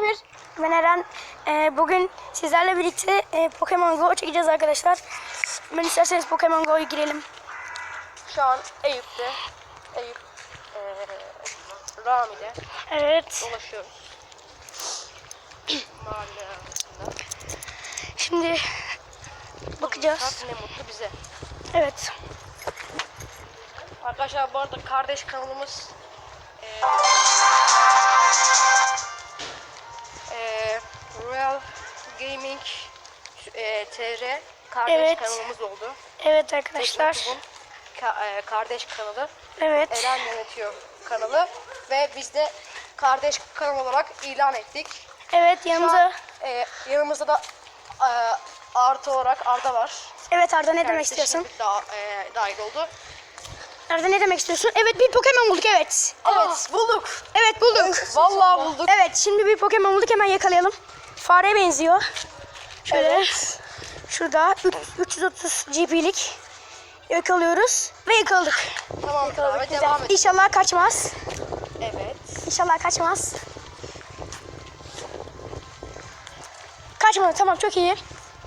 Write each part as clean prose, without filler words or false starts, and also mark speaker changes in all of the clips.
Speaker 1: Emir. Ben Eren. Bugün sizlerle birlikte Pokemon Go çekeceğiz arkadaşlar. Ben isterseniz Pokemon Go'ya girelim.
Speaker 2: Şu an Eyüp'te. Eyüp Rami'de.
Speaker 1: Evet.
Speaker 2: Dolaşıyoruz. Mahalle arasında.
Speaker 1: Şimdi bakacağız.
Speaker 2: Ne mutlu bize.
Speaker 1: Evet.
Speaker 2: Arkadaşlar bu arada kardeş kanalımız Royal Gaming TR kardeş
Speaker 1: Evet.
Speaker 2: kanalımız oldu.
Speaker 1: Evet arkadaşlar.
Speaker 2: YouTube'un kardeş kanalı.
Speaker 1: Evet.
Speaker 2: Eren yönetiyor kanalı ve biz de kardeş kanal olarak ilan ettik.
Speaker 1: Evet yanımıza.
Speaker 2: Yanımızda da artı olarak Arda var.
Speaker 1: Evet Arda ne demek
Speaker 2: Kendisi
Speaker 1: istiyorsun?
Speaker 2: şimdi dahil oldu.
Speaker 1: Arda ne demek istiyorsun? Evet bir Pokemon bulduk evet.
Speaker 2: Evet bulduk.
Speaker 1: Evet bulduk.
Speaker 2: Vallahi bulduk.
Speaker 1: Evet şimdi bir Pokemon bulduk hemen yakalayalım. Fareye benziyor. Şöyle.
Speaker 2: Evet.
Speaker 1: Şurada 330 GP'lik yakalıyoruz ve yakaladık.
Speaker 2: Tamam abi devam et.
Speaker 1: İnşallah kaçmaz.
Speaker 2: Evet.
Speaker 1: İnşallah kaçmaz. Kaçmadı tamam çok iyi.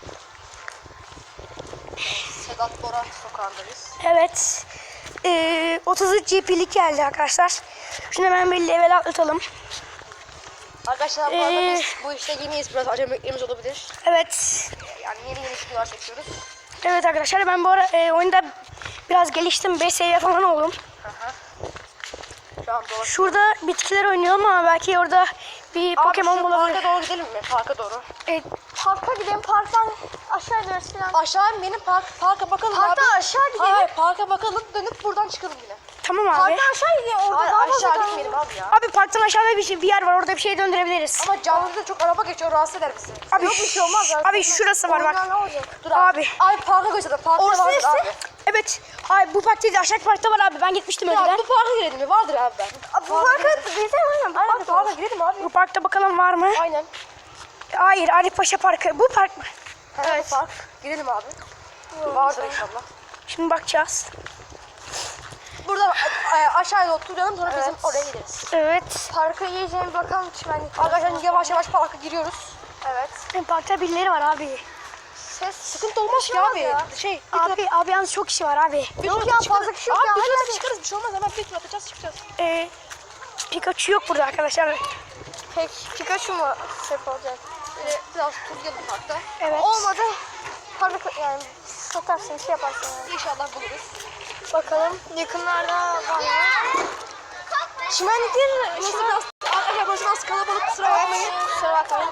Speaker 2: Sedat Bora sokağındayız.
Speaker 1: Evet. 33 GP'lik geldi arkadaşlar. Şunu hemen bir level atlatalım.
Speaker 2: Arkadaşlar bu arada biz bu işte yeniyiz. Biraz acemiliklerimiz olabilir.
Speaker 1: Evet.
Speaker 2: Yani yeni videolar çekiyoruz.
Speaker 1: Evet arkadaşlar ben bu ara oyunda biraz geliştim. 5 seviye falan oldum.
Speaker 2: Aha. Şu an dolaşıyoruz.
Speaker 1: Şurada bitkiler oynuyorum ama belki orada bir Pokemon bulabilir.
Speaker 2: Parka doğru gidelim mi? Parka doğru.
Speaker 1: Parka gidelim. Parktan aşağı ineriz falan.
Speaker 2: Aşağı benim parka bakalım
Speaker 1: Parktan
Speaker 2: abi.
Speaker 1: aşağı gidelim.
Speaker 2: Hayır parka bakalım dönüp buradan çıkalım yine.
Speaker 1: Tamam abi.
Speaker 2: Parktan aşağı gidelim. Orada
Speaker 1: Hayır,
Speaker 2: daha
Speaker 1: aşağı
Speaker 2: fazla gitmeyelim abi ya.
Speaker 1: Abi parktan aşağıda bir yer var. Orada bir şey döndürebiliriz.
Speaker 2: Ama caddede çok araba geçiyor rahatsız eder bizi.
Speaker 1: Abi
Speaker 2: Yok bir şey olmaz ya.
Speaker 1: Abi şurası var bak.
Speaker 2: Oradan ne olacak? Dur
Speaker 1: Abi.
Speaker 2: Abi parka gösterelim. Parkta
Speaker 1: Orası
Speaker 2: vardır
Speaker 1: neresi?
Speaker 2: abi.
Speaker 1: Evet. Hayır bu park değil de aşağı parkta var abi. Ben gitmiştim önceden.
Speaker 2: Ya bu parka girelim mi? Vardır abi ben.
Speaker 1: Bu parka gidelim aynen. Bu
Speaker 2: Aynen
Speaker 1: park
Speaker 2: parka girelim abi.
Speaker 1: Bu parkta bakalım var mı?
Speaker 2: Aynen.
Speaker 1: Hayır Arif Paşa Parkı. Bu park mı?
Speaker 2: Evet. Bu park. Girelim abi. Vardır inşallah.
Speaker 1: Şimdi bakacağız.
Speaker 2: Buradan aşağıya oturalım sonra bizim oraya gideriz.
Speaker 1: Evet.
Speaker 2: Parka yiyeceğim bakalım çimenlik. Arkadaşlar yavaş yavaş parka giriyoruz. Evet.
Speaker 1: Parkta birileri var abi.
Speaker 2: Sıkıntı olmaz ki abi.
Speaker 1: Abi yalnız çok kişi var abi.
Speaker 2: Yok ya fazla kişi yok ya. Hadi çıkarız bir şey olmaz hemen bir tur atacağız çıkacağız.
Speaker 1: Pikachu yok burada arkadaşlar.
Speaker 2: Peki Pikachu mu olacak? Biraz turlayalım parkta.
Speaker 1: Evet.
Speaker 2: Olmadı. Parka yani satarsın şey yaparsın yani. İnşallah buluruz.
Speaker 1: Bakalım yakınlarda var mı?
Speaker 2: Çimenlikler burası biraz arkadaşlar burası biraz kalabalık kusura bakmayın.
Speaker 1: Kusura bakmayın.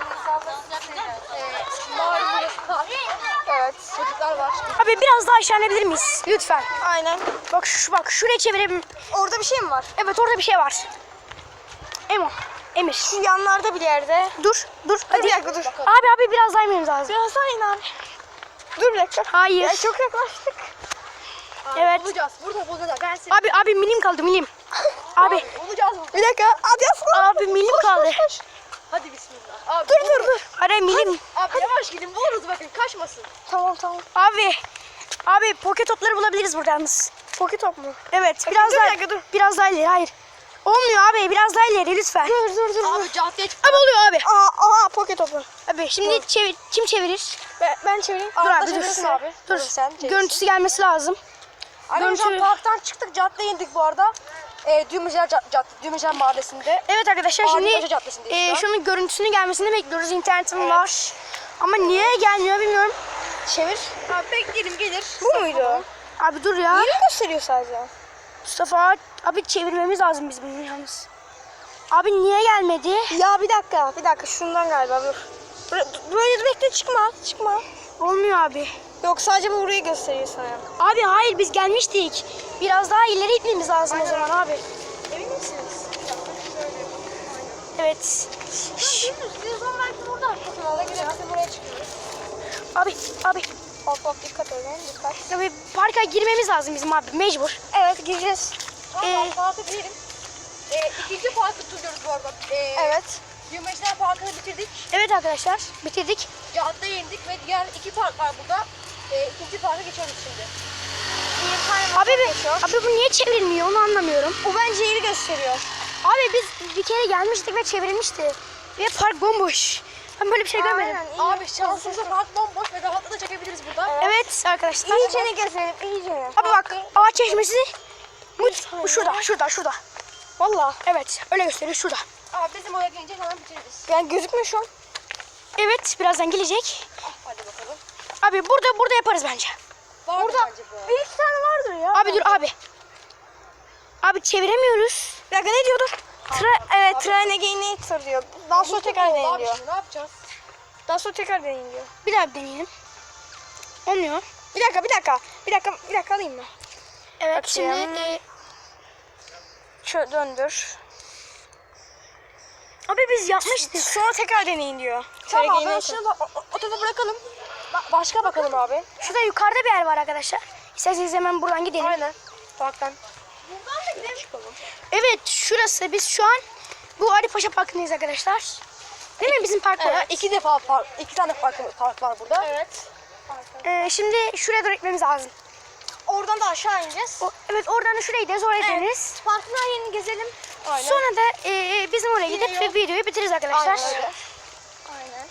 Speaker 2: Malum burası kar. Evet çocuklar var.
Speaker 1: Abi biraz daha aşağı inebilir miyiz? Lütfen.
Speaker 2: Aynen.
Speaker 1: Bak şuraya çevirelim.
Speaker 2: Orada bir şey mi var?
Speaker 1: Evet orada bir şey var. Emir.
Speaker 2: Şu yanlarda bir yerde.
Speaker 1: Dur. Hadi.
Speaker 2: Bir dakika dur.
Speaker 1: Abi biraz daha inmemiz lazım.
Speaker 2: Biraz daha in abi. Dur bir dakika.
Speaker 1: Hayır.
Speaker 2: Ya çok yaklaştık.
Speaker 1: Evet.
Speaker 2: Bulacağız. Burada bulacağız. Ben seni.
Speaker 1: Abi milim kaldı milim. Abi.
Speaker 2: Bulacağız. Bir dakika. Hadi aslan.
Speaker 1: Abi milim kaldı.
Speaker 2: Hadi bismillah. Abi,
Speaker 1: Dur. Hadi milim.
Speaker 2: Abi yavaş gidin buluruz bakın kaçmasın.
Speaker 1: Tamam. Abi poket topları bulabiliriz burada yalnız.
Speaker 2: Poket top mu?
Speaker 1: Evet.
Speaker 2: Dur,
Speaker 1: Biraz
Speaker 2: bir
Speaker 1: daha.
Speaker 2: dakika, dur.
Speaker 1: Biraz daha ileri. Hayır. Olmuyor abi. Biraz daha ileri lütfen.
Speaker 2: Dur. Abi caddeye çık.
Speaker 1: Abi oluyor abi.
Speaker 2: Aha poket topu.
Speaker 1: Abi şimdi kim çevirir?
Speaker 2: Ben çevireyim.
Speaker 1: Dur
Speaker 2: Arda
Speaker 1: abi dur.
Speaker 2: çevirsin abi.
Speaker 1: Dur.
Speaker 2: Sen çevirsin.
Speaker 1: Görüntüsü gelmesi lazım.
Speaker 2: Arkadaşlar
Speaker 1: Görüntü-
Speaker 2: parktan çıktık caddeye indik bu arada. Düğmeciler Mahallesi'nde.
Speaker 1: Evet arkadaşlar
Speaker 2: Abi
Speaker 1: şimdi
Speaker 2: Hoca Caddesi'ndeyiz şu an.
Speaker 1: şunun görüntüsünü gelmesini bekliyoruz. İnternetim var. Ama niye gelmiyor bilmiyorum.
Speaker 2: Çevir. Abi bekleyelim gelir.
Speaker 1: Bu muydu? Abi dur ya.
Speaker 2: Yeni gösteriyor sadece.
Speaker 1: Mustafa abi çevirmemiz lazım biz bunu yalnız. Abi niye gelmedi?
Speaker 2: Ya bir dakika şundan galiba dur. Böyle bekle çıkma.
Speaker 1: Olmuyor abi.
Speaker 2: Yok sadece bu burayı gösteriyor sana.
Speaker 1: Abi hayır biz gelmiştik. Biraz daha ileri gitmemiz lazım o zaman abi.
Speaker 2: Emin misiniz?
Speaker 1: Evet.
Speaker 2: Yüzden belki burada. Kanala girerse buraya çıkıyoruz.
Speaker 1: Abi
Speaker 2: Hop dikkat edin dikkat.
Speaker 1: abi parka girmemiz lazım bizim abi mecbur.
Speaker 2: Evet gireceğiz. Tamam parka girelim. İkinci parkı tutuyoruz bu arada.
Speaker 1: Evet.
Speaker 2: Düğmeciler Parkı'nı bitirdik.
Speaker 1: Evet arkadaşlar bitirdik.
Speaker 2: Caddeye indik ve diğer iki park var burada. İkinci parka geçiyoruz şimdi.
Speaker 1: Abi bu niye çevrilmiyor onu anlamıyorum.
Speaker 2: O bence yeri gösteriyor.
Speaker 1: Abi biz bir kere gelmiştik ve çevrilmişti. Ve park bomboş. Ben böyle bir şey görmedim.
Speaker 3: Aynen, iyi.
Speaker 2: Abi şansımıza park bomboş ve rahatla da çekebiliriz burada.
Speaker 1: Evet arkadaşlar.
Speaker 3: İyicene gezelim, iyicene.
Speaker 1: Abi bak ağaç çeşmesi şurada. Vallahi evet öyle gösteriyor şurada.
Speaker 2: Abi bizim oraya gelince hemen bitiririz.
Speaker 3: Yani gözükmüyor şu an.
Speaker 1: Evet birazdan gelecek.
Speaker 2: Hadi bakalım.
Speaker 1: Abi burada yaparız bence.
Speaker 2: Var
Speaker 3: Burada
Speaker 2: bence bu.
Speaker 3: bir iki tane vardır ya.
Speaker 1: Abi dur abi. Abi çeviremiyoruz.
Speaker 3: Bir dakika ne diyordun? Evet, tren again diyor. Daha sonra tekrar deneyin
Speaker 2: Abi
Speaker 3: diyor.
Speaker 2: şimdi ne yapacağız?
Speaker 3: Daha sonra tekrar deneyin diyor.
Speaker 1: Bir daha bir deneyelim. Olmuyor.
Speaker 3: Bir dakika alayım mı?
Speaker 1: Evet
Speaker 3: Bakayım.
Speaker 1: şimdi
Speaker 3: Şöyle döndür.
Speaker 1: abi biz yapmıştık.
Speaker 3: Sonra tekrar deneyin diyor.
Speaker 2: Tamam
Speaker 3: Tren
Speaker 2: ben
Speaker 3: again
Speaker 2: şunu da o tarafa bırakalım. Başka bakalım abi.
Speaker 1: Şurada yukarıda bir yer var arkadaşlar. İsterseniz hemen buradan gidelim.
Speaker 2: Aynen. Parktan.
Speaker 1: Evet şurası biz şu an bu Ali Paşa Parkı'ndayız arkadaşlar. Değil mi bizim park var?
Speaker 2: İki tane park var burada.
Speaker 3: Evet.
Speaker 1: Şimdi şuraya doğru gitmemiz lazım.
Speaker 3: Oradan da aşağı ineceğiz.
Speaker 1: Evet oradan da şuraya gideriz oraya gideriz.
Speaker 3: Parkın her yerini gezelim.
Speaker 2: Aynen.
Speaker 1: Sonra da bizim oraya gidip
Speaker 2: yol.
Speaker 1: videoyu bitiririz arkadaşlar.
Speaker 2: Aynen öyle.
Speaker 3: Aynen.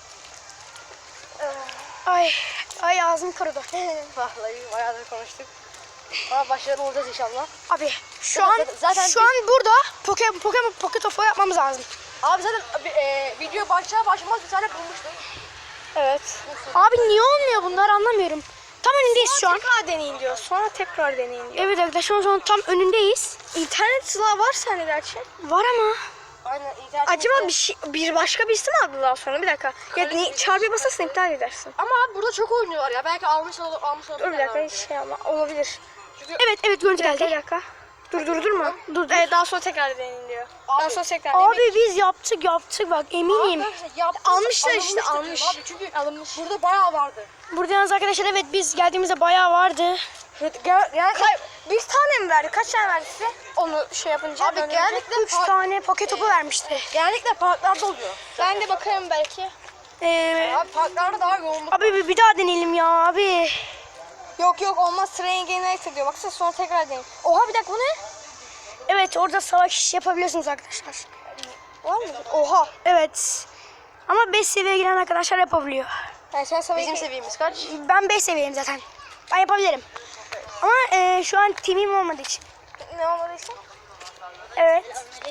Speaker 1: Ay ağzım kurudu.
Speaker 2: Vallahi bayağıdır konuştuk. Ama başarılı olacağız inşallah.
Speaker 1: Abi şu an
Speaker 2: Zaten
Speaker 1: burada Pokemon Pocket of yapmamız lazım.
Speaker 2: Abi zaten video başlamaz bir tane bulmuştum.
Speaker 3: Evet.
Speaker 1: Abi niye olmuyor bunlar anlamıyorum. Tam önündeyiz şu an.
Speaker 3: Tekrar deneyin diyor. Sonra tekrar deneyin diyor.
Speaker 1: Evet arkadaşlar şu an tam önündeyiz.
Speaker 3: İnternet sılağı var sende gerçi.
Speaker 1: Var ama.
Speaker 2: Aynen. internet
Speaker 3: Acaba
Speaker 2: sitesi-
Speaker 3: bir başka birisi mi aldı daha sonra? Bir dakika. Ya çarpıya basarsan iptal edersin.
Speaker 2: Ama abi burada çok oynuyorlar ya. Belki almış olabilir.
Speaker 3: Dur bir dakika hiç şey ama olabilir.
Speaker 1: Evet görüntü
Speaker 3: Bir dakika.
Speaker 1: geldi.
Speaker 3: Durma.
Speaker 1: Dur.
Speaker 3: Evet daha sonra tekrar deneyin diyor.
Speaker 2: Abi-
Speaker 3: Daha sonra tekrar deneyin.
Speaker 1: Abi biz yaptık bak eminim.
Speaker 3: Almışlar işte,
Speaker 2: Alınmıştır
Speaker 3: almış.
Speaker 2: Abi çünkü burada bayağı vardı.
Speaker 1: Burada yalnız arkadaşlar evet biz geldiğimizde bayağı vardı.
Speaker 3: Yani bir tane mi verdi? Kaç tane verdi size? Onu şey yapınca.
Speaker 2: Abi
Speaker 3: dönünce.
Speaker 2: genellikle
Speaker 1: 3 tane poket topu vermişti.
Speaker 2: genellikle parklarda oluyor.
Speaker 3: Ben de bakarım belki.
Speaker 2: Abi parklarda daha yoğunluk.
Speaker 1: Abi bir daha deneyelim ya abi.
Speaker 3: Yok olmaz. Train Generator diyor. Baksana sonra tekrar deneyin. Oha bir dakika bu ne?
Speaker 1: Evet orada savaş yapabiliyorsunuz arkadaşlar.
Speaker 3: Var mı? Oha.
Speaker 1: Evet. Ama 5 seviyeye giren arkadaşlar yapabiliyor.
Speaker 3: Yani sen sana
Speaker 2: Bizim seviyemiz kaç?
Speaker 1: Ben 5 seviyeyim zaten. Ben yapabilirim. Ama şu an team'im olmadığı için.
Speaker 3: ne olmadıysa?
Speaker 1: Evet.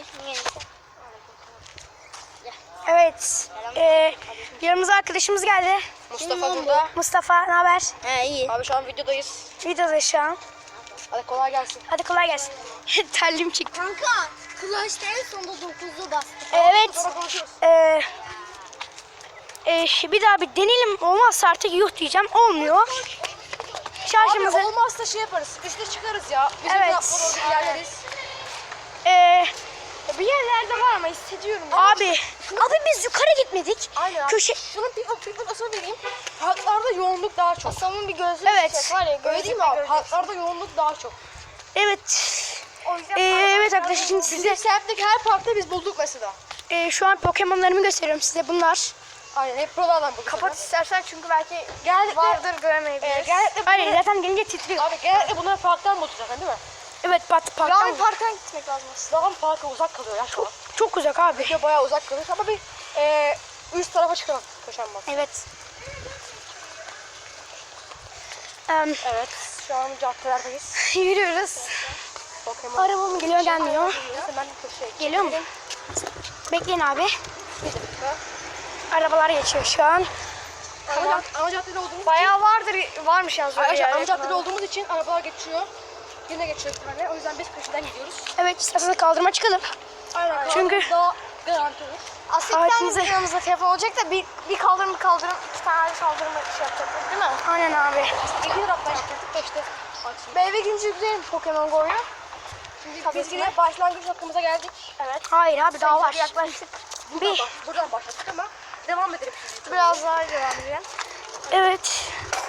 Speaker 1: Evet. Yanımıza arkadaşımız geldi.
Speaker 2: Mustafa burada.
Speaker 1: Mustafa ne haber?
Speaker 3: He iyi.
Speaker 2: Abi şu an videodayız.
Speaker 1: Videoda şu an.
Speaker 2: Hadi kolay gelsin.
Speaker 1: Hadi kolay gelsin. Terliğim çıktı.
Speaker 3: Kanka Clash'ta en sonunda 9'u bastı.
Speaker 1: Evet.
Speaker 2: Sonra konuşuruz.
Speaker 1: Bir daha bir deneyelim. Olmazsa artık yuh diyeceğim. Olmuyor. Şarjımızı.
Speaker 2: Abi olmazsa şey yaparız. Üste çıkarız ya. Bizim
Speaker 1: Evet.
Speaker 2: yapmalı orada ilerleriz.
Speaker 3: Bir yerlerde var ama hissediyorum.
Speaker 1: Abi biz yukarı gitmedik.
Speaker 2: Aynen abi.
Speaker 1: Köşe.
Speaker 2: Şunun bir asıl vereyim. Parklarda yoğunluk daha çok.
Speaker 3: Asamın bir gözlüğü
Speaker 1: Evet.
Speaker 3: çiçek var ya.
Speaker 2: Öyle değil mi abi? Parklarda yoğunluk daha çok.
Speaker 1: Evet.
Speaker 3: O yüzden
Speaker 1: Evet arkadaşlar şimdi size
Speaker 2: Bizim semtteki her parkta biz bulduk mesela.
Speaker 1: şu an Pokemon'larımı gösteriyorum size bunlar.
Speaker 2: Aynen hep buralardan bulduk.
Speaker 3: kapat istersen çünkü belki
Speaker 2: Genellikle,
Speaker 3: vardır göremeyebiliriz.
Speaker 2: genellikle
Speaker 1: Hayır zaten gelince titriyor.
Speaker 2: Abi genellikle bunları parktan bulduk zaten değil mi?
Speaker 1: Evet parktan.
Speaker 3: Rami Park'a gitmek lazım aslında.
Speaker 2: Dağın parka uzak kalıyor ya şu an.
Speaker 1: Çok uzak abi.
Speaker 2: Video bayağı uzak kalıyor ama bir üst tarafa çıkalım. Koşan bak.
Speaker 1: Evet.
Speaker 2: Evet şu an caddelerdeyiz.
Speaker 1: Yürüyoruz.
Speaker 2: Pokemon.
Speaker 1: Araba mı geliyor gelmiyor.
Speaker 2: Neyse ben köşeye
Speaker 1: Geliyor mu? Bekleyin abi.
Speaker 2: Bir dakika.
Speaker 1: Arabalar geçiyor şu an.
Speaker 2: Ana caddede olduğumuz
Speaker 3: Bayağı varmış yalnız öyle
Speaker 2: Arkadaşlar ana
Speaker 3: yer.
Speaker 2: caddede olduğumuz için arabalar geçiyor. Yine geçiyor bir tane. O yüzden biz köşeden gidiyoruz.
Speaker 1: Evet isterseniz kaldırıma çıkalım.
Speaker 2: Aynen.
Speaker 1: Çünkü-
Speaker 2: daha garanti olur.
Speaker 3: Aslında
Speaker 1: Aletimizi-
Speaker 3: yanımızda telefon olacak da bir kaldırım iki tane kaldırım şey yapacaktık değil mi?
Speaker 1: Aynen abi.
Speaker 2: İki taraftan gidecektik de işte.
Speaker 3: Ben eve gidince yükleyelim Pokemon Go'yu.
Speaker 2: Şimdi biz yine başlangıç noktamıza geldik.
Speaker 3: Evet.
Speaker 1: Hayır abi daha var.
Speaker 3: Yaklaştık.
Speaker 2: Buradan başladık ama devam edelim şimdi.
Speaker 3: Biraz daha devam edelim.
Speaker 1: Evet.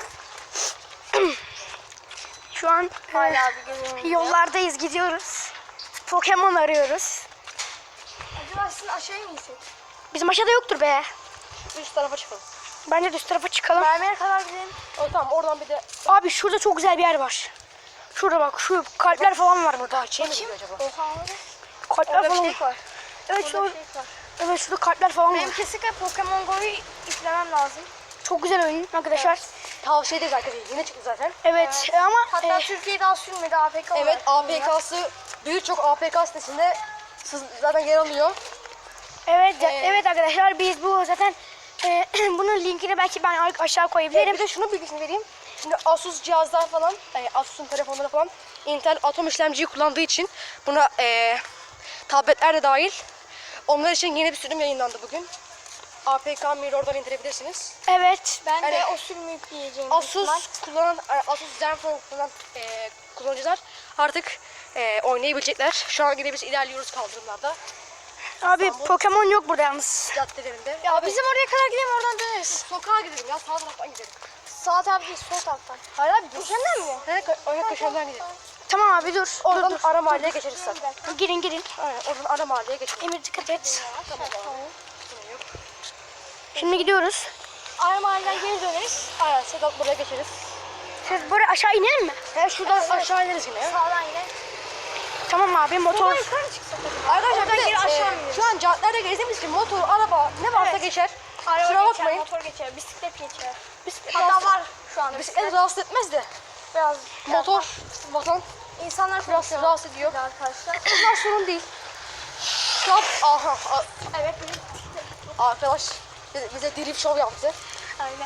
Speaker 1: Şu an
Speaker 3: Hala bir gözüm.
Speaker 1: yollardayız gidiyoruz. Pokemon arıyoruz.
Speaker 3: Acaba sizin aşağıya mı gitsek?
Speaker 1: Bizim aşağıda yoktur be.
Speaker 2: Üst tarafa çıkalım.
Speaker 1: Bence de üst tarafa çıkalım.
Speaker 3: Mermer'e kadar gidelim.
Speaker 2: Tamam oradan bir de
Speaker 1: Abi şurada çok güzel bir yer var. Şurada bak şu kalpler falan var burada.
Speaker 2: ne gidiyor acaba?
Speaker 3: Oha abi.
Speaker 1: Kalpler
Speaker 3: Orada
Speaker 1: falan.
Speaker 3: bir şey var.
Speaker 1: Evet
Speaker 3: Orada
Speaker 1: şu
Speaker 3: bir şey var.
Speaker 1: Evet şurada kartlar falan var.
Speaker 3: Benim kesinlikle Pokemon Go'yu yüklemem lazım.
Speaker 1: Çok güzel oyun arkadaşlar.
Speaker 2: Tavsiye ederiz arkadaşlar. Yeni çıktı zaten.
Speaker 1: Evet, ama
Speaker 3: Hatta Türkiye'de daha sürmedi APK olarak.
Speaker 2: Evet, APK'sı birçok APK sitesinde zaten yer alıyor.
Speaker 1: evet evet arkadaşlar biz bu zaten bunun linkini belki ben aşağı koyabilirim.
Speaker 2: Bir de şunu bilgisini vereyim. Şimdi Asus cihazlar falan, Asus'un telefonları falan Intel Atom işlemciyi kullandığı için buna tabletler de dahil. Onlar için yeni bir sürüm yayınlandı bugün. APK Mirror'dan indirebilirsiniz.
Speaker 1: Evet.
Speaker 3: Ben de
Speaker 2: Yani
Speaker 3: o sürümü yükleyeceğim. büyük ihtimal.
Speaker 2: Asus kullanan, Asus Zenfone kullanan kullanıcılar artık oynayabilecekler. Şu an yine biz ilerliyoruz kaldırımlarda,
Speaker 1: Abi Pokemon yok burada yalnız.
Speaker 2: caddelerinde.
Speaker 3: Ya
Speaker 2: Abi,
Speaker 3: bizim oraya kadar gidelim oradan döneriz.
Speaker 2: sokağa gidelim ya, sağ taraftan gidelim.
Speaker 3: Sağ taraf değil sol taraftan.
Speaker 2: Hayır abi,
Speaker 3: Köşenden mi?
Speaker 2: Oraya köşeden gidelim.
Speaker 1: Tamam abi dur.
Speaker 2: Oradan
Speaker 1: dur.
Speaker 2: ara mahalleye geçeriz zaten.
Speaker 1: Girin girin.
Speaker 2: Aynen, oradan ara mahalleye geçeriz.
Speaker 1: Emir dikkat et.
Speaker 2: Tamam abi. Sorun yok.
Speaker 1: Şimdi gidiyoruz.
Speaker 3: Ara mahalleden geri döneriz.
Speaker 2: Aynen, Sedat buraya geçeriz.
Speaker 1: Siz buraya aşağı inelim mi?
Speaker 2: Şuradan aşağı ineriz yine ya.
Speaker 3: Sağdan yine.
Speaker 1: Tamam abi motor.
Speaker 3: Buradan yukarı mı çıksak?
Speaker 2: Arkadaşlar
Speaker 3: Oradan
Speaker 2: bir de,
Speaker 3: geri aşağı ineriz.
Speaker 2: şu an caddelerde gezdiğimiz için motor, araba ne varsa
Speaker 3: Evet.
Speaker 2: geçer.
Speaker 3: Araba
Speaker 2: Kusura
Speaker 3: geçer,
Speaker 2: bakmayın.
Speaker 3: motor geçer, bisiklet geçer.
Speaker 2: Bisiklet,
Speaker 3: Hatta var şu anda
Speaker 2: bisiklet rahatsız etmez de
Speaker 3: Biraz
Speaker 2: motor, vatan
Speaker 3: İnsanlar
Speaker 2: biraz
Speaker 3: konuşuyor.
Speaker 2: rahatsız ediyor.
Speaker 3: Arkadaşlar.
Speaker 2: Bunlar sorun değil. Şu an
Speaker 3: Evet bizim
Speaker 2: arkadaş bize drift show yaptı.
Speaker 3: aynen.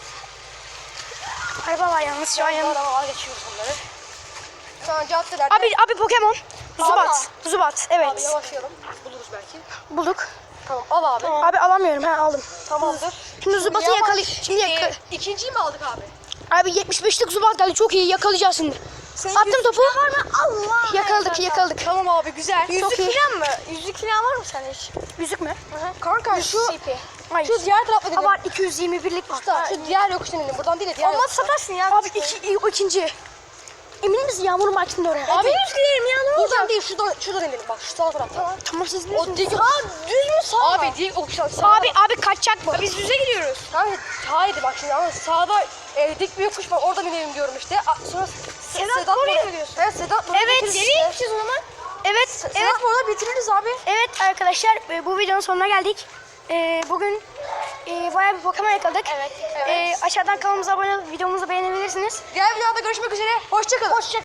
Speaker 1: Araba var yalnız şu an yanımda.
Speaker 2: Arabalar geçiyoruz bunları. Şu an caddelerde.
Speaker 1: Abi Pokemon. Zubat. Zubat.
Speaker 2: Abi
Speaker 1: Evet.
Speaker 2: yavaşlayalım. Buluruz belki.
Speaker 1: Bulduk.
Speaker 2: Tamam, al abi.
Speaker 1: Abi alamıyorum. Ha aldım.
Speaker 2: Tamamdır.
Speaker 1: Şimdi Zubat'ı
Speaker 2: Yavaş.
Speaker 1: yakalayacağız. Şimdi
Speaker 2: İkinciyi mi aldık abi?
Speaker 1: Abi 75'lik Zubat geldi. Çok iyi yakalayacağız şimdi. Attım topu.
Speaker 3: Var mı? Allah.
Speaker 1: Yakaladık.
Speaker 2: Tamam abi, güzel.
Speaker 1: Çok iyi.
Speaker 3: Falan mı? Yüzlük falan var mı sende hiç?
Speaker 1: Yüzük mü?
Speaker 2: Kanka şu
Speaker 3: CP.
Speaker 1: Hayır.
Speaker 2: şu diğer tarafta
Speaker 1: Ha
Speaker 2: gidelim.
Speaker 1: var 221'lik var.
Speaker 2: Usta, şu diğer yokuştan inelim. Buradan değil de diğer
Speaker 3: Olmaz
Speaker 2: yokuştan.
Speaker 3: satarsın ya.
Speaker 1: Abi o ikinci. Emin misin Yağmur Market'in oraya?
Speaker 2: Abi,
Speaker 3: Düz gidelim ya ne olacak?
Speaker 2: buradan değil, şuradan inelim bak, şu sağ taraftan.
Speaker 1: Tamam siz
Speaker 2: O
Speaker 1: bilirsiniz.
Speaker 2: dik
Speaker 3: Düz mü sağ mı?
Speaker 2: Abi dik yokuştan sağ.
Speaker 1: Abi kaçacak bu.
Speaker 3: Biz düze gidiyoruz.
Speaker 2: Hayır, haydi bak şimdi, ama sağda dik bir yokuş var, oradan inelim diyorum işte. Sonra
Speaker 3: Sedat oraya mı diyorsun?
Speaker 2: Evet, Sedat buraya
Speaker 1: Evet.
Speaker 2: bitiririz.
Speaker 3: Nereye gideceğiz o zaman?
Speaker 1: Evet.
Speaker 2: Sedat burada bitiririz abi.
Speaker 1: Evet arkadaşlar bu videonun sonuna geldik. Bugün bayağı bir Pokemon yakaladık.
Speaker 3: Evet.
Speaker 1: Aşağıdan kanalımıza abone olup videomuzu beğenebilirsiniz.
Speaker 2: Diğer videoda görüşmek üzere. Hoşçakalın.